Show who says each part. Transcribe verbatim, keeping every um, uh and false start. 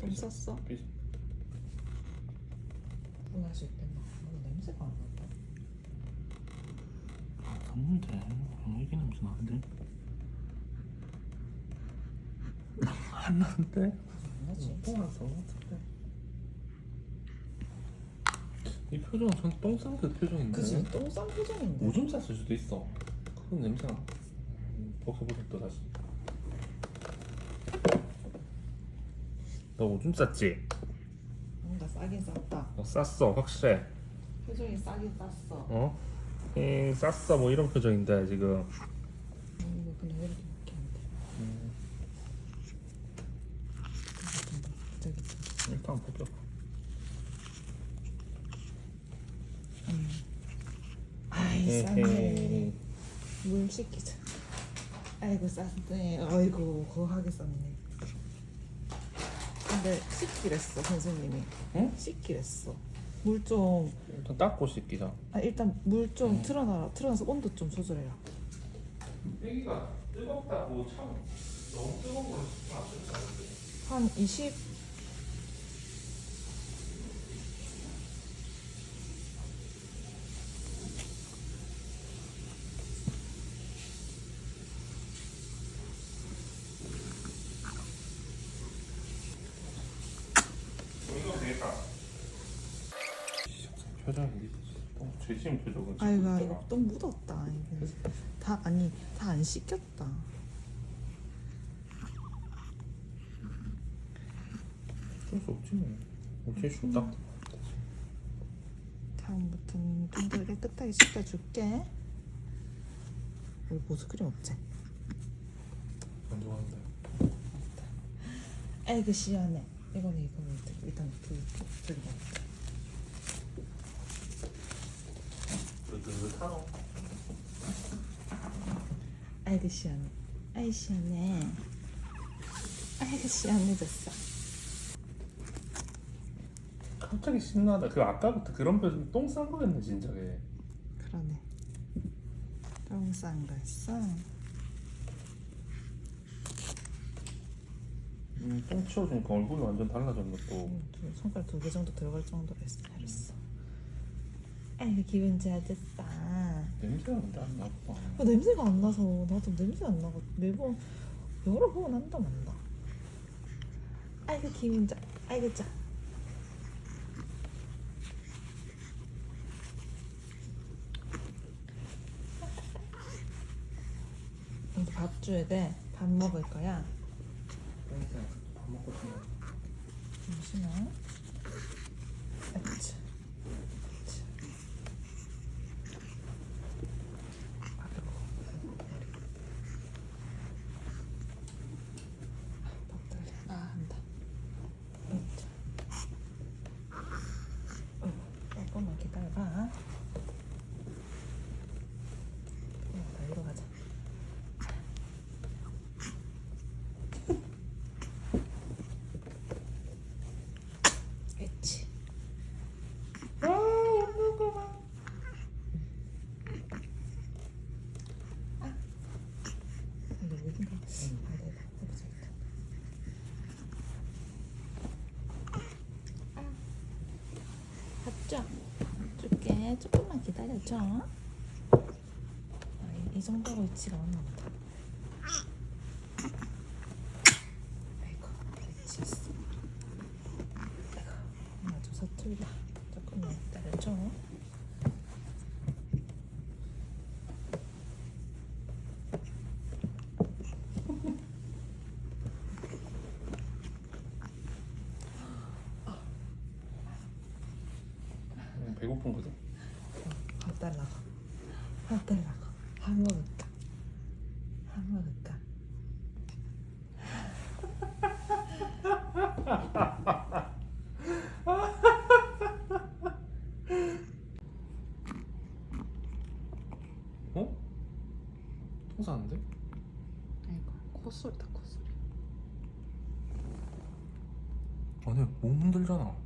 Speaker 1: 똥
Speaker 2: 삐져.
Speaker 1: 쌌어?
Speaker 2: 삐져.
Speaker 1: 똥할 수 있겠나? 뭔가 냄새가 안 난다.
Speaker 2: 아, 샀는데 애기 냄새 나는데? 안 나는데?
Speaker 1: 안 나지?
Speaker 2: 똥안 싼 것 같은데? 이 표정은 전 똥 싼 그 표정인데?
Speaker 1: 그치? 똥 싼 표정인데.
Speaker 2: 오줌 쌌을 수도 있어. 그건 냄새나. 음, 벗겨보자 또 다시. 너 오줌 쌌지?
Speaker 1: 뭔가 싸긴 쌌다.
Speaker 2: 너 쌌어 확실해.
Speaker 1: 표정이 싸긴 쌌어.
Speaker 2: 어? 에 쌌어 뭐 이런 표정인데 지금.
Speaker 1: 음, 이거 그냥 왜 이렇게 먹게 안 돼?
Speaker 2: 음,
Speaker 1: 저기
Speaker 2: 일단 벗겨.
Speaker 1: 음. 아이 쌌네. 물 씻기자. 아이고 쌌네. 아이고 거하게 쌌네. 근데 씻기랬어 선생님이.
Speaker 2: 응?
Speaker 1: 씻기랬어. 물 좀.
Speaker 2: 일단 닦고 씻기자.
Speaker 1: 아 일단 물 좀
Speaker 2: 음.
Speaker 1: 틀어놔. 틀어놔서 온도 좀 조절해라.
Speaker 2: 애기가 뜨겁다고 참 너무 뜨거운 걸 안 쓰는데.
Speaker 1: 한 이십.
Speaker 2: 이거 되겠다. 표정이 똥 죄지은 표정은 찍고
Speaker 1: 아이고
Speaker 2: 있더라.
Speaker 1: 아이고 똥 묻었다. 이거. 다 아니 다 안 씻겼다.
Speaker 2: 어쩔 수 없지 뭐. 어쩔 수 없다.
Speaker 1: 다음부터는 좀 더 깨끗하게 씻겨줄게. 여기 보습크림 없지?
Speaker 2: 안 좋아한다.
Speaker 1: 아이고 시원해. 이거는 이거 일단 일단 불 저기 봐.
Speaker 2: 뜨뜻하노.
Speaker 1: 아이고 시원해. 아이 시원해. 아이고 시원해졌어.
Speaker 2: 갑자기 신나다. 그 아까부터 그런 표정 똥싼 거였네 진작에.
Speaker 1: 그러네. 똥싼 거 했어.
Speaker 2: 음, 똥 치워주니까 얼굴이 완전 달라졌네 또.
Speaker 1: 음, 두- 손가락 두 개 정도 들어갈 정도로 했어. 잘했어. 아이고 기분 좋아졌다.
Speaker 2: 냄새가 근데 안 나빠.
Speaker 1: 아, 냄새가 안 나서 나도 냄새 안 나고 매번 여러 번 한다 만다. 아이고 기분 좋아. 아이고 좋아. 이제 밥 줘야 돼. 밥 먹을 거야.
Speaker 2: 냄새 밥 먹고 싶네.
Speaker 1: 잠시만. 아차. 아 한다. 어, 조금만 기다려봐. 야, 나 이리 가자. 그렇지.
Speaker 2: 아 웃는 거 봐.
Speaker 1: 이거 어딘가? 아, 내가 해보자 일단. 밥 줘. 줄게. 조금만 기다려줘. 아, 이, 이 정도로 위치가 왔나 보다. 아이고, 위치했어. 아이고, 엄마 좀 서툴다. 조금만 기다려줘.
Speaker 2: 음, 배고픈 거지?
Speaker 1: 밥 달라고. 밥 달라고. 밥 먹을까? 밥 먹을까?
Speaker 2: 어? 똥 싸는데?
Speaker 1: 아이고, 콧소리다 콧소리.
Speaker 2: 아니 몸 흔들잖아.